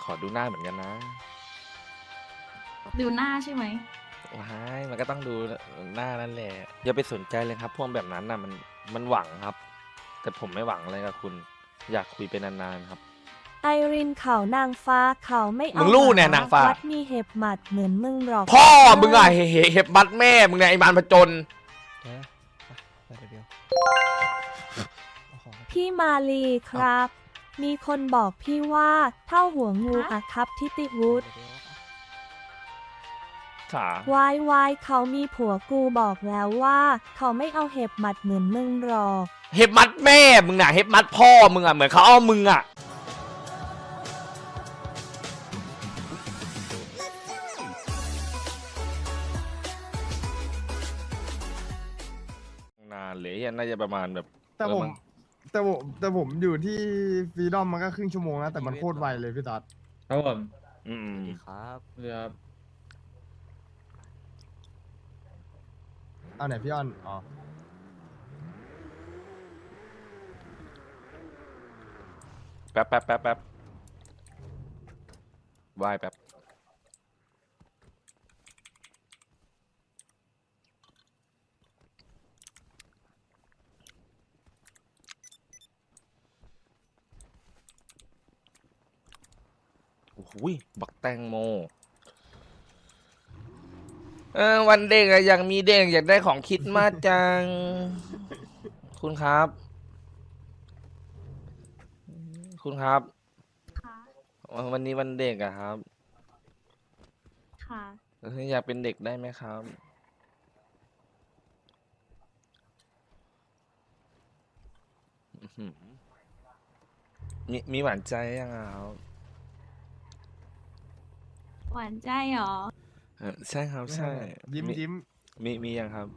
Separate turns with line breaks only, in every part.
อดูหน้าเหมือนกันนะ
ดูหน้าใช่ไหม
ว้ายมันก็ต้องดูหน้านั่นแหละอย่าไปสนใจเลยครับพวกแบบนั้นน่ะมันหวังครับ แต่ผมไม่หวังอะไรกับคุณ อยากคุยไปนานๆครับ
ไอรินเขานางฟ้าเขาไม่เอา
มึงรู้เนี่ยนางฟ้า
วัดมีเห็บหมัดเหมือนมึงหรอก
พ่อมึงอะเห็บบัดแม่มึงเนี่ยไอ้มารผจญ
พี่มาลีครับ มีคนบอกพี่ว่าเท่าหัวงูอะครับทิติวุฒิ
ขา
วายเขามีผัวกูบอกแล้วว่าเขาไม่เอาเห็บหมัดเหมือนมึงหรอก
เห็บมัดแม่มึงน่ะเห็บมัดพ่อมึงอะเหมือนเขาเอามึงอะนานเลยน่าจะประมาณแบบ
แต่ผม
น
แต่ผมอยู่ที่ฟรีดอมมันก็ครึ่งชั่วโมงนะแต่มันโคตรไวเลยพี่ต๊อด
ครับผม
อืม
ครับเรือ
เอาไหนพี่อ้อนอ๋อ
แป๊บวายแป๊บโอ้โหบักแตงโมวันเด็กอะอยากมีเด็กอยากได้ของคิดมากจัง คุณครับ คุณครับ
ค่ะ
วันนี้วันเด็กอะครับ
ค่ะ
อยากเป็นเด็กได้ไหมครับอื้อหือมีหวานใจยังอะครับ
หวานใจเหรอ
ใช่ครับใช่
ยิ้ม
มี
ยิ้ม
มียังครับ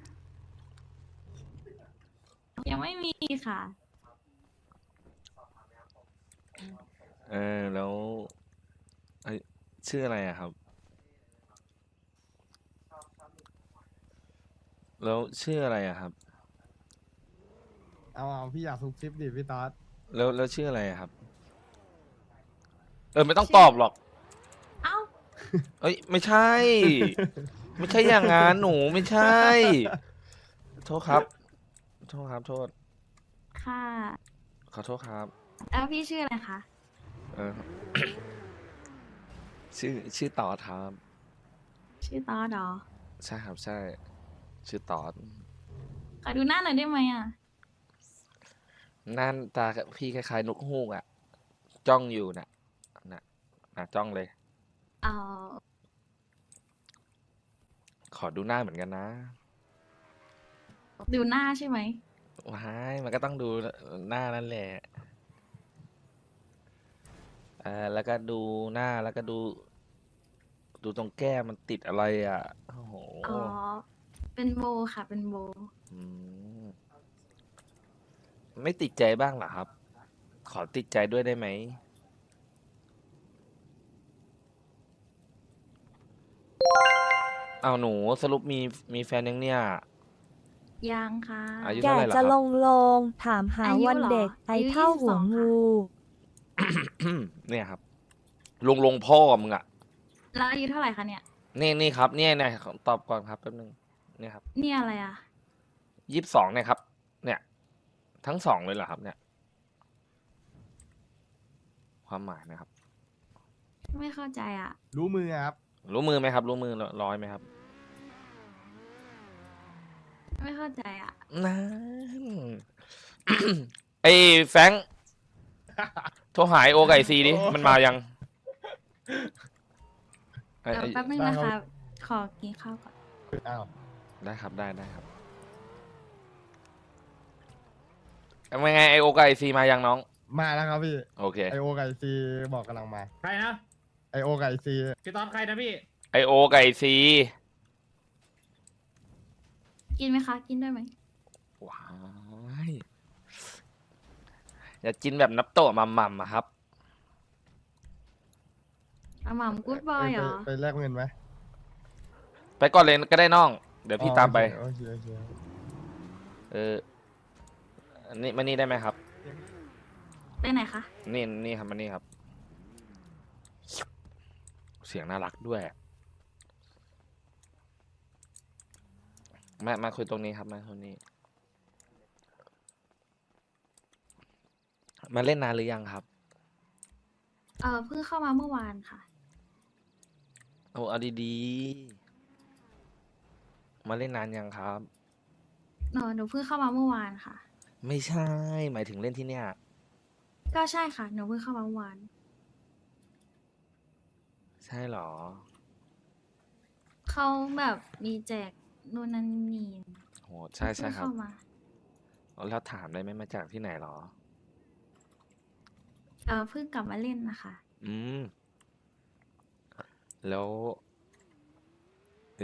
ยังไม่มีค่ะ
แล้วชื่ออะไรอะครับ แล้วชื่ออะไรอะครับ
เอาพี่อยากซุกซิปดิพี่ต๊อด
แล้วชื่ออะไรอะครับ ไม่ต้องตอบหรอก
เอ้า
เอ้ยไม่ใช่ ไม่ใช่อย่างงั้นหนูไม่ใช่ โทษครับ โทษครับ โทษ
ค่ะ
ขอโทษครับ
แล้วพี่ชื่ออะไรคะ
เออ ชื่อตอดครับ
ชื่อตอดเหรอ
ใช่ครับใช่ ชื่อตอด
ขอดูหน้าหน่อยได้ไหมอ่ะ
นั่นตาพี่คล้ายๆนกฮูกอะจ้องอยู่น่ะจ้องเลย
เอา
ขอดูหน้าเหมือนกันนะ
ดูหน้าใช่ไหม
ว้ายมันก็ต้องดูหน้านั่นแหละแล้วก็ดูหน้าแล้วก็ดูตรงแก้มมันติดอะไรอ่ะโอ้โห
อ๋อ เป็นโบค่ะ เป็นโบ
อืมไม่ติดใจบ้างเหรอครับ ขอติดใจด้วยได้ไหมเอาหนูสรุปมีแฟนยังเนี่ย
ยังค่ะ
อายุ
แก
เท่าไหร่ล่ะ
จะ
ค
ล
รับ
งถามหา
อายุ
วัน
เหรอ
เด็กไอ
อายุ
เท่าหัว
22
งู
เนี่ยครับลงพ่อมึงอ่ะ
แล้วอายุเท่าไหร่คะเนี่ย
นี่ครับเนี่ยตอบก่อนครับแป๊บนึงเนี่ยครับ
เนี่ยอะไรอ่ะ
22เนี่ยครับ เนี่ย ทั้งสองเลยเหรอครับ เนี่ย ความหมายนะครับ
ไม่เข้าใจอ่ะ
รู้มือครับ
รู้มือไหมครับ รู้มือร้อยไหมครับ
ไม่เข้าใจอ่ะ
นั่น ไอ้แฟรงค์โทรหายโอไก่ซีดิ มันมายังไอ้
เดี๋ยว
ไอ้
แป๊บนึงนะคะ ขอกินข้าวก่อน
อ้าว
ได้ครับได้ครับเป็นไงไอโอไก่ซีมายังน้อง
มาแล้วครับพี่
โอเค
ไอโอไก่ซีบอกกำลังมา
ใครนะ
ไอโอไก่ซี
พี่ตอนใครนะพี่
ไอโอไก่ซี
กินไหมคะ กินด้วยไหม
ว้ายอย่ากินแบบนับโตะมัมอะครับ
อาหม่ำกู๊ดบอยเหรอ
ไปแลกเงินไหม
ไปก่อนเลยก็ได้น้อง เดี๋ยวพี่ตามไป
โอเค
นี่มานี่ได้ไหมครับ
ไปไหนคะ
นี่ครับมานี่ครับสียงน่ารักด้วยมาคุยตรงนี้ครับมาคุยนี้มาเล่นนานหรือยังครับ
เพิ่งเข้ามาเมื่อวานค่ะ
โอ้เอาดีๆมาเล่นนานยังครับ
หนูเพิ่งเข้ามาเมื่อวานค่ะ
ไม่ใช่ หมายถึงเล่นที่เนี่ย
ก็ใช่ค่ะ หนูเพิ่งเข้ามาเมื่อวาน
ใช่เหรอ
เขาแบบมีแจกนู่นนั่นนี่
โหใช่ใช่
เพิ่ง
ครับ
เข้ามา
แล้วถามได้ไหมมาจากที่ไหนเหรอ
เพิ่งกลับมาเล่นนะคะ
อืม แล้วเอ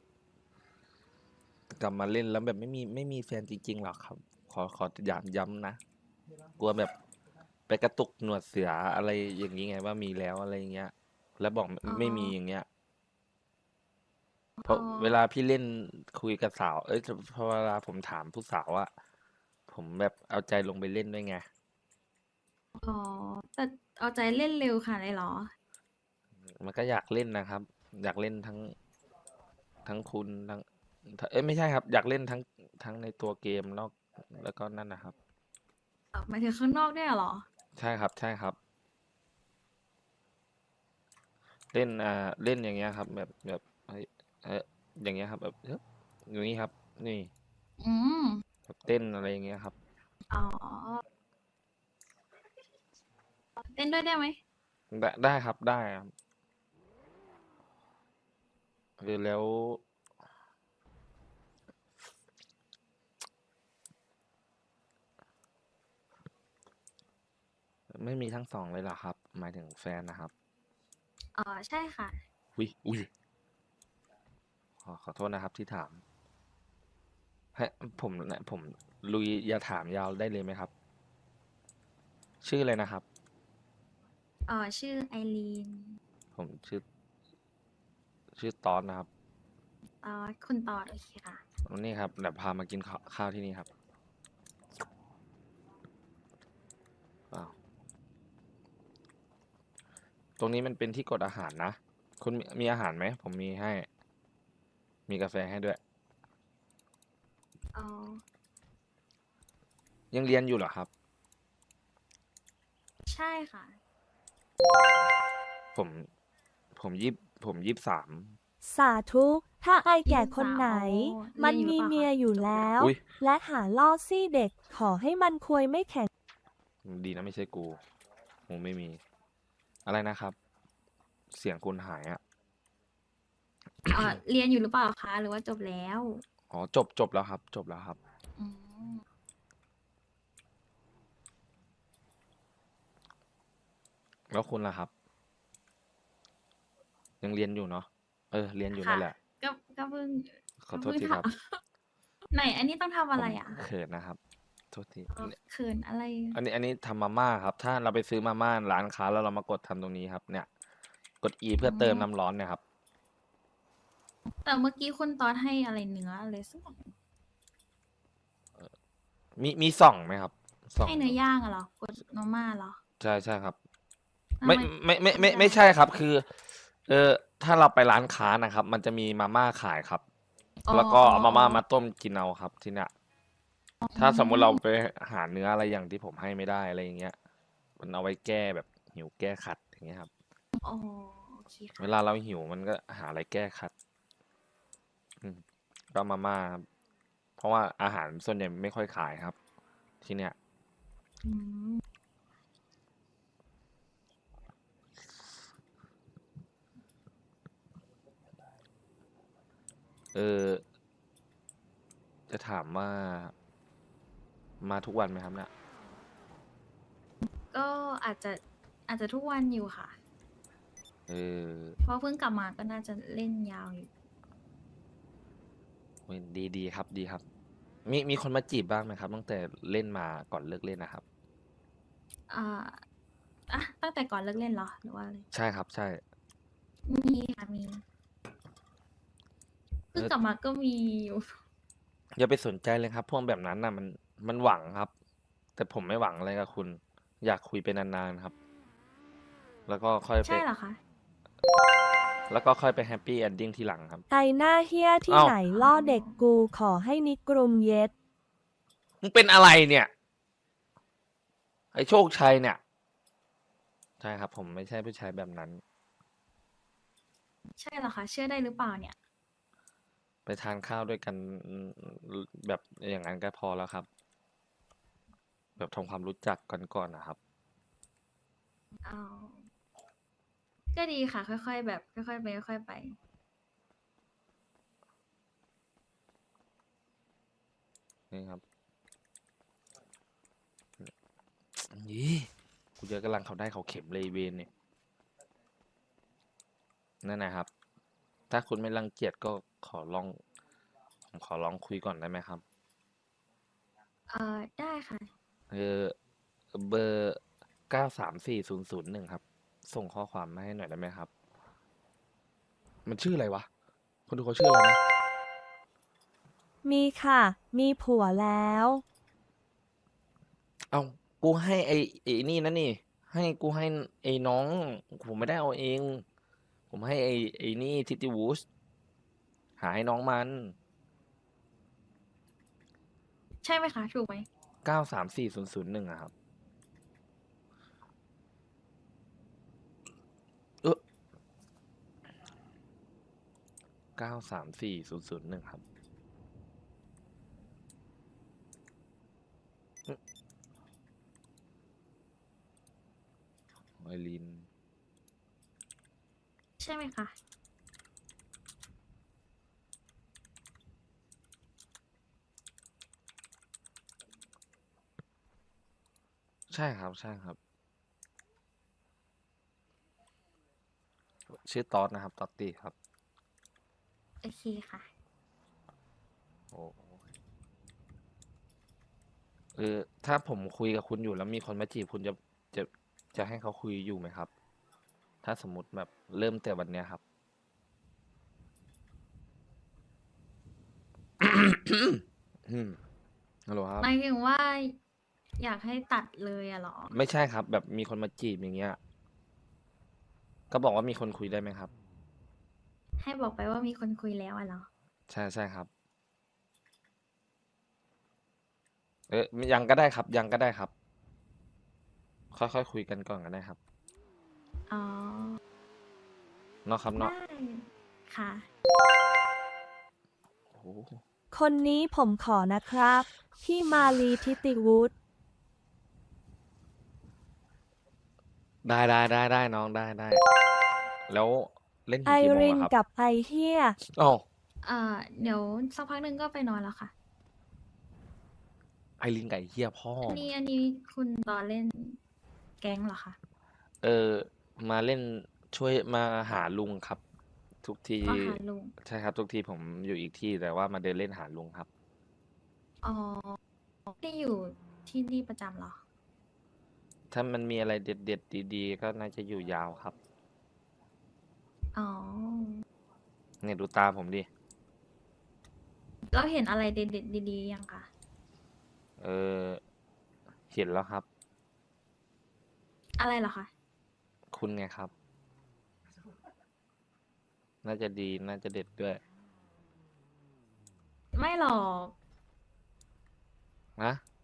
อกลับมาเล่นแล้วแบบไม่มีแฟนจริงๆหรอครับ ขอย้ำนะ กลัวแบบไปกระตุกหนวดเสืออะไรอย่างนี้ไงว่ามีแล้วอะไรอย่างเงี้ย แล้วบอก
อ๋อ
ไม่มีอย่างเงี้ย เพราะเวลาพี่เล่นคุยกับสาว เอ้ยพอเวลาผมถามผู้สาวอะผมแบบเอาใจลงไปเล่นด้วยไง
อ๋อ แต่เอาใจเล่นเร็วค่ะเลยเหรอ
มันก็อยากเล่นนะครับ อยากเล่นทั้งคุณทั้งเอ้ยไม่ใช่ครับ อยากเล่นทั้งในตัวเกมนอกแล้วก็นั่นนะครับ
หมายถึงข้างนอกด้วยเหรอ
ใช่ครับใช่ครับ เล่นเล่นอย่างเงี้ยครับ แบบอย่างเงี้ยครับแบบอย่างนี้ครับ นี่
อืม
แบบเต้นอะไรอย่างเงี้ยครับ
อ๋อ เต้นด้วยได้ไหม
ได้ครับได้ครับแล้ว ไม่มีทั้งสองเลยเหรอครับ หมายถึงแฟนนะครับ
ใช่ค่ะ
อุ้ยขอโทษนะครับที่ถามให้ผมลุยอย่าถามยาวได้เลยไหมครับ ชื่ออะไรนะครับ
ชื่อไอรีน
ผมชื่อตอนนะครับ
คุณตอดโอเคค่ะ
นี่ครับเดี๋ยวพามากินข้าวที่นี่ครับอ้าวตรงนี้มันเป็นที่กดอาหารนะ คุณมีอาหารไหม ผมมีให้ มีกาแฟให้ด้วย
อ๋อ
ยังเรียนอยู่เหรอครับ
ใช่ค่ะ
ผมผม23
สาธุ ถ้าไอแก่คนไหน
อ๋อ
มัน
เรี
มี
ยนอยู่หรือเปล่าคะ
เมียอยู่แล้ว
อุ๊ย
และหาล่อซี่เด็ก ขอให้มันควยไม่แข็ง
ดีนะไม่ใช่กูไม่มี อะไรนะครับ เสียงคุณหายอ่ะ
เรียนอยู่หรือเปล่าคะ หรือว่าจบแล้ว
อ๋อจบแล้วครับ จบแล้วครับ
อืม
แล้วคุณล่ะครับ ยังเรียนอยู่เนาะเรียนอยู่
ค่ะ
นั่นแหละ
ก็เพิ่ง
ขอโทษทีครับ
ไหน อันนี้ต้องทำอะไรอ่ะ
ผมเขินนะครับ โทษที
เขินอะไร
อันนี้ทำมาม่าครับ ถ้าเราไปซื้อมาม่าร้านค้าแล้วเรามากดทำตรงนี้ครับ เนี่ย กด E เพื่อเติมน้ำร้อนเนี่ยครับ
แต่เมื่อกี้คุณตอดให้อะไรเนื้ออะไรสักอย่าง
มีส่องไหมครับส่อง
ให้เนื้อย่างอะเหรอกดมาม่าเหรอ
ใช่ครับ
ทำ
ไม่ใช่ครับ คือ ถ้าเราไปร้านค้านะครับ มันจะมีมาม่าขายครับ
อ๋อ
แล้วก็เอามาม่ามาต้มกินเอาครับที่เนี่ย ถ้าสมมุติเราไปหาเนื้ออะไรอย่างที่ผมให้ไม่ได้อะไรอย่างเงี้ย มันเอาไว้แก้แบบหิวแก้ขัดอย่างเงี้ยครับ
อ๋อโอเคค่ะ
เวลาเราหิวมันก็หาอะไรแก้ขัด ก็มาม่าครับ เพราะว่าอาหารส่วนใหญ่ไม่ค่อยขายครับ ที่เนี่ย
อืม
จะถามว่ามาทุกวันไหมครับเนี่ย
ก็อาจจะทุกวันอยู่ค่ะ เพราะเพิ่งกลับมาก็น่าจะเล่นยาวอยู่
ดีครับดีครับ มีคนมาจีบบ้างไหมครับ ตั้งแต่เล่นมาก่อนเลิกเล่นนะครับ
อ่าตั้งแต่ก่อนเลิกเล่นเหรอ หรือว่าอะไร
ใช่ครับ ใช่
มีค่ะมีเพิ่งกลับมาก็มีอยู่
อย่าไปสนใจเลยครับ พวกแบบนั้นน่ะมันหวังครับ แต่ผมไม่หวังอะไรกับคุณ อยากคุยไปนานๆครับ แล้วก็ค่อยไป
ใช่เหรอคะ
แล้วก็ค่อยไปแฮปปี้เอนดิ้งทีหลังครับ
ไอหน้าเฮียที่
เอ้า
ไหนล่อเด็กกูขอให้นิกรุมเย็ด
มึงเป็นอะไรเนี่ย ไอ้โชคชัยเนี่ย ใช่ครับ ผมไม่ใช่ผู้ชายแบบนั้น
ใช่เหรอคะเชื่อได้หรือเปล่าเนี่ย
ไปทานข้าวด้วยกันแบบอย่างนั้นก็พอแล้วครับ แบบทำความรู้จักกันก่อนนะครับ
เอาก็ดีค่ะ ค่อยๆแบบค่อยๆไปค่อยๆไป
นี่ครับยี่กูเจอกำลังเขาได้เขาเข็มเลยเวนเนี่ยนั่นนะครับ ถ้าคุณไม่รังเกียจก็ผมขอลองคุยก่อนได้ไหมครับ
ได้ค่ะ
เบอร์934001ครับ ส่งข้อความมาให้หน่อยได้ไหมครับ มันชื่ออะไรวะ คนดูเขาชื่ออะไรนะ
มีค่ะ มีผัวแล้ว
เอากูให้ไอ้นี่นะนี่ กูให้ไอ้น้อง ผมไม่ได้เอาเอง ผมให้ไอ้นี่ทิติวูสหาให้น้องมัน
ใช่ไหมคะ ถูกไหม
934001อะครับ934001ครับไอริน
ใช่ไหมคะ
ใช่ครับ ใช่ครับ ชื่อตอดนะครับ ตอตตี้ครับ
โอเคค่ะ
โอ้ถ้าผมคุยกับคุณอยู่แล้วมีคนมาจีบคุณจะจะให้เขาคุยอยู่ไหมครับ ถ้าสมมติแบบเริ่มแต่วันเนี้ยครับ ฮัลโหลครับ
หมายถึงว่า อยากให้ตัดเลยอะเหรอ
ไม่ใช่ครับ แบบมีคนมาจีบอย่างเงี้ย ก็บอกว่ามีคนคุยได้ไหมครับ
ให้บอกไปว่ามีคนคุยแล้วอะเหรอ
ใช่ใช่ครับ ยังก็ได้ครับ ยังก็ได้ครับ ค่อยๆคุยกันก่อนก็ได้ครับ
อ๋อ
เนาะครับ
ได้
เนาะ
ค่ะ
โอ้โห
คนนี้ผมขอนะครับ พี่มาลีทิติวุฒิ
ได้น้องได้ แล้วเล่นถึ
ไอง
กี่โมง
ริน
อะครับ
กับไอเฮีย
อ๋อ
เดี๋ยวสักพักหนึ่งก็ไปนอนแล้วค่ะ
ไอรินไก่เฮียพ่อ
อันนี้คุณตอนเล่นแก๊งเหรอคะ
มาเล่นช่วยมาหาลุงครับ ทุกที
อ๋อค่ะลุง
ใช่ครับ ทุกทีผมอยู่อีกที่แต่ว่ามาเดินเล่นหาลุงครับ
อ๋อได้อยู่ที่นี่ประจำเหรอ
ถ้ามันมีอะไรเด็ดๆดีๆก็น่าจะอยู่ยาวครับ
อ๋อ
เนี่ยดูตาผมดิ
แล้วเห็นอะไรเด็ดๆดีๆยังคะ
เห็นแล้วครับ
อะไรเหรอคะ
คุณไงครับ น่าจะดีน่าจะเด็ดด้วย
ไม่หรอก
นะ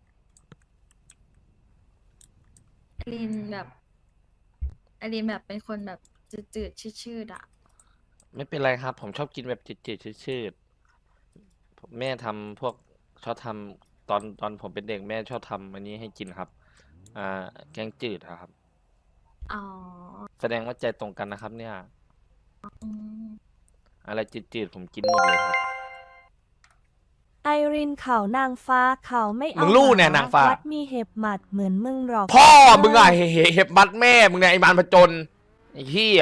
อลินแบบเป็นคนแบบจืดๆชืดๆอะ
ไม่เป็นไรครับ ผมชอบกินแบบจืดๆชืดๆแม่ทำพวกชอบทำตอนผมเป็นเด็กแม่ชอบทำอันนี้ให้กินครับ แกงจืดอะครับ
อ๋อ
แสดงว่าใจตรงกันนะครับ เนี่ย
อืม
อะไรจืดๆผมกินหมดเลยครับ
ไอรินเขานางฟ้าเขาไม่เอา
มึงรู้เนี่ย
หม
นางฟ้า
วัดมีเห็บหมัดเหมือนมึงหรอก
พ่อมึงอะเห็บบัดแม่มึงเนี่ยไอ้บานผจญไอ้เหี้ย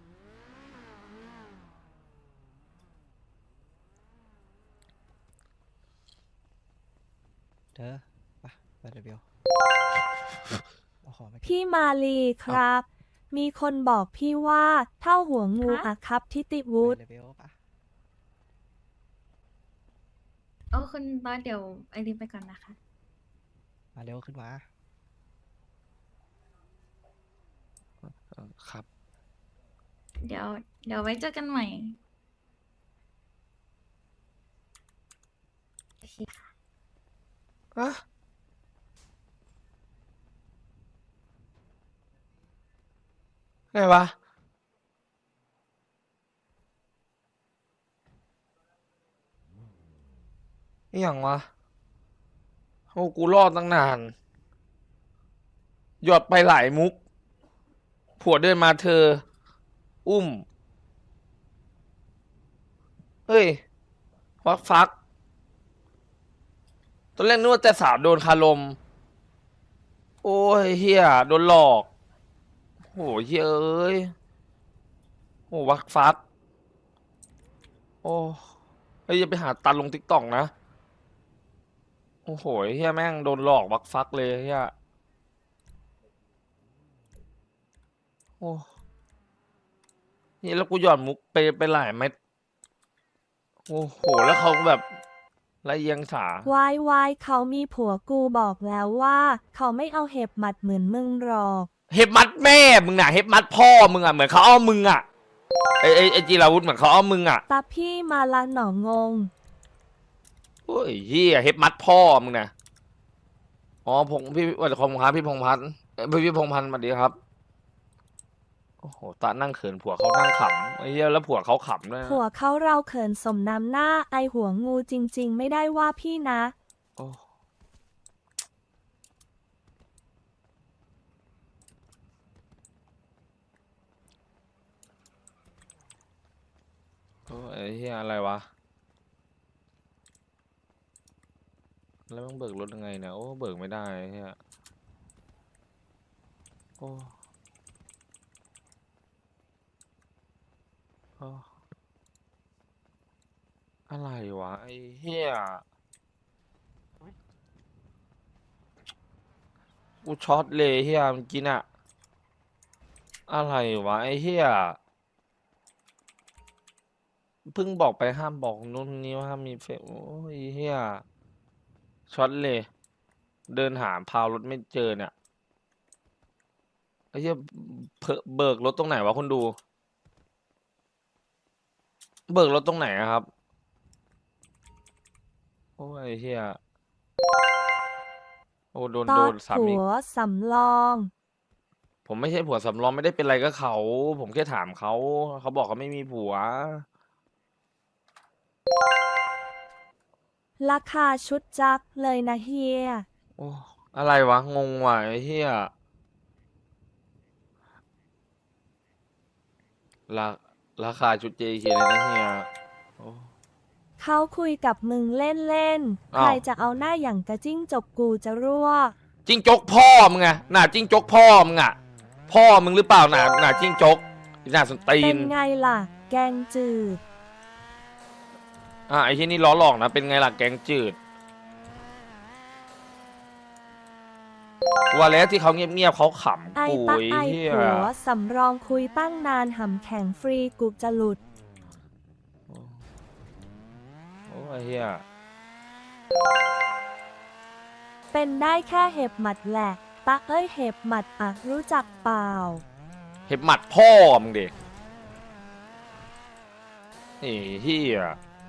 เธอไปเดี๋ยวเบลเอาของมาเก็บ
พี่มาลีครับ มีคนบอกพี่ว่าเท่าหัวงู
ฮะ
อะครับทิติวุฒิ
ไปเดี๋ยวเบลปะ
คุณตอนเดี๋ยวไอรินไปก่อนนะคะ
มาเร็วขึ้นมา
ครับ
เดี๋ยวเดี๋ยวไว้เจอกันใหม่โอเคค่ะ
อะไงวะอหย่างวะโอ้กูรอดตั้งนานหยอดไปหลายมุก ผัวเดินมาเธอ อุ้ม เฮ้ยวักฟัก ตอนแรกนึกว่าจะสาวโดนคารม โอ้ยเฮียโดนหลอกโหเฮียเอ้ยโอ้วักฟัก โอ้เฮ้ยอย่าไปหาตันลงติ๊กต็อกนะ โอ้โหเฮียแม่งโดนหลอกวักฟักเลยเฮียโอ้นี่แล้วกูหย่อนมุกไปหลายเม็ด โอ้โห แล้วเขาแบบละเอียงสา
วายเขามีผัวกูบอกแล้วว่า เขาไม่เอาเห็บหมัดเหมือนมึงหรอก
เห็บมัดแม่มึงอ่ะเห็บมัดพ่อมึงอ่ะเหมือนเขาเอามึงอ่ะไอจีราวุธเหมือนเขาเอามึงอ่ะ
ตาพี่มาละหนองง
โอ้ยเฮียเห็บมัดพ่อมึงนะอ๋อพี่วัดคมครับพี่พงษ์พัฒน์พี่พงษ์พันธ์สวัสดีครับโอ้โหตานั่งเขินผัวเขานั่งขำไอ้เหี้ยแล้วผัวเขาขำด้วยนะ
ผัวเขาเราเขินสมน้ำหน้าไอหัวงูจริง ๆ ไม่ได้ว่าพี่นะ
โอ้โอ้ไอ้เหี้ยอะไรวะแล้วมึงเบิกรถยังไงเนี่ยโอ้เบิกไม่ได้ไอ้เหี้ยโอ้โอ้อะไรวะไอ้เหี้ยกูช็อตเลยเหี้ยเมื่อกี้น่ะอะไรวะไอ้เหี้ยเพิ่งบอกไปห้ามบอกนู่นนี่ว่าห้ามมีเฟซโอ้ยเหี้ยช็อตเลยเดินหาพาวรถไม่เจอเนี่ยไอ้เหี้ยเบิกรถตรงไหนวะคนดู เบิกรถตรงไหนอะครับ โอ้ยเฮียโอ้โดน
ตอด
สาม
ผั
อีก
วสำรอง
ผมไม่ใช่ผัวสำรองไม่ได้เป็นไรก็เขา ผมแค่ถามเขา เขาบอกเขาไม่มีผัว
ราคาชุดจักเลยนะเฮีย
โอ้อะไรวะ งงว่ะไอ้เฮียราราคาชุด JK เลยนะเฮียโอ้
เขาคุยกับมึงเล่นๆ
อ้าว
ใครจะเอาหน้าอย่างกระจิ้งจกกูจะรั่ว
จิ้งจกพ่อมึงอะหน้าจิ้งจกพ่อมึงอะพ่อมึงหรือเปล่าหน้าจิ้งจกหน้าสนตี
เป็น นไงล่ะ แกงจืด
ไอ้ที่นี่ล้อหลอกนะ เป็นไงล่ะแกงจืดว่าแล้วที่เขาเงียบๆเขาขำ
ไอ
กู
ตะ
ไอ้
ไอ
เหี้ย
ผัวสำรองคุยตั้งนานหำแข็งฟรีกูจะหลุด
โอ้ยเหี้ย
เป็นได้แค่เห็บหมัดแหละ ตะเอ้ยเห็บหมัดอะรู้จักเปล่า
เห็บหมัดพ่อมึงเด็กไอ้เหี้ย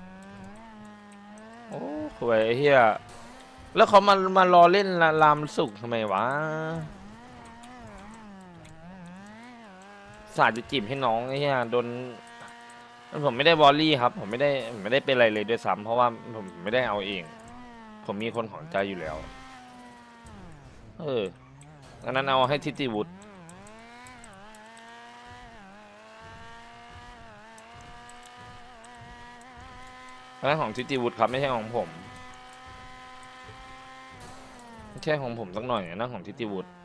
โอ้หวยไอ้เหี้ยแล้วเขามารอเล่นลามสุกทำไมวะสาดจะจีบให้น้องไอ้เหี้ยโดนผมไม่ได้วอลลี่ครับ ผมไม่ได้เป็นอะไรเลยด้วยซ้ำเพราะว่าผมไม่ได้เอาเอง ผมมีคนของใจอยู่แล้วอันนั้นเอาให้ทิติวุฒิอันนั้นของทิติวุฒิครับไม่ใช่ของผมไม่ใช่ของผมสักหน่อยอันนั้นของทิติวุฒิ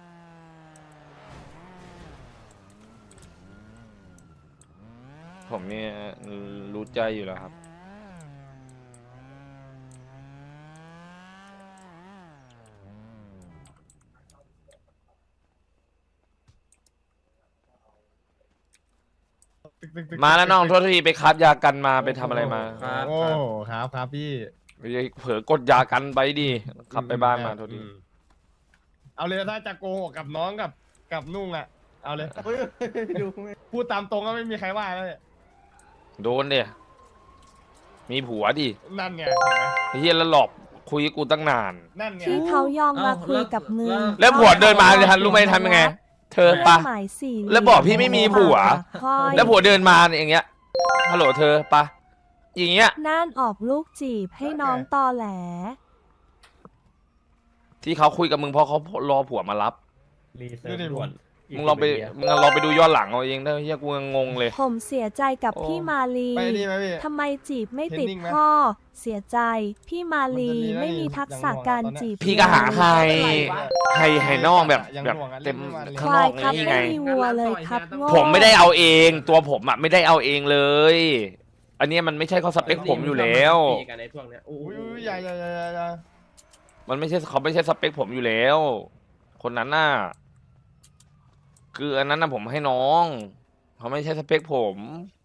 ผมเนี่ยรู้ใจอยู่แล้วครับมาแล้วน้องโทษทีไปคราฟยากันมาไปทำอะไรมา
ครับ
โอ้ครับพี่
เผลอกดยากันไปดิขับไปบ้านมาโทษที
เอาเลยถ้าจะโกหกกับน้องกับนุ่งอ่ะ เอาเลยพูดตามตรงก็ไม่มีใครว่าแล้วเนี่ย
โดนเดียมีผัวดิ
นั่นไงเห็นไหม
ไอ้เฮียแล้วหลอกคุยกับกูตั้งนาน
นั่นไง
ที่เขายอมมาคุยกับมึง
แล้วผัวเดินมาเลยทันรู้ไหมทำยังไง เธอปะ
หมายสี่
แล้วบอกพี่ไม่มีผัว
ค่อย
แล้วผัวเดินมาอย่างเงี้ยฮัลโหลเธอปะอย่างเงี้ย
น่านออกลูกจีบให้น้องตอแหล
ที่เขาคุยกับมึงเพราะเขารอผัวมารับ
รีเซิร์ฟด่วน
มึงลองไปดูย้อนหลังเอาเองได้เฮียกูยังงงเลย
ผมเสียใจกับ
โอ้
พี่มาลี
ไปนี่ไหมพี่
ทำไมจีบไม่ติด
เทรนนิ่งไหม
พ่อ เสียใจ พี่มาลี
มันจะมี
ไม่มีทักษะ
อย่างหน่วง
การ
ตอนเนี้ย
จีบ
พี่ก็หาให้น้องแบบ
ยัง
แบบ
หน่วงอะ
เต็ม
เล่นไม่มาเลย
ค
ข้าง
วาน ยครับ
อกนี่ไง
ไม่มีวัวเลยครับโง่
ผมไม่ได้เอาเอง ตัวผมอ่ะไม่ได้เอาเองเลย อันเนี้ยมันไม่ใช่ข้อสเปคผมอยู่แล้ว
ตีกันในพวกเนี้ยโอ้
อุ้ย
ย
อุ้ยอย่า
มันไม่ใช่เขาไม่ใช่สเปคผมอยู่แล้ว คนนั้นน่ะคืออันนั้นน่ะผมให้น้องเขาไม่ใช่สเปคผม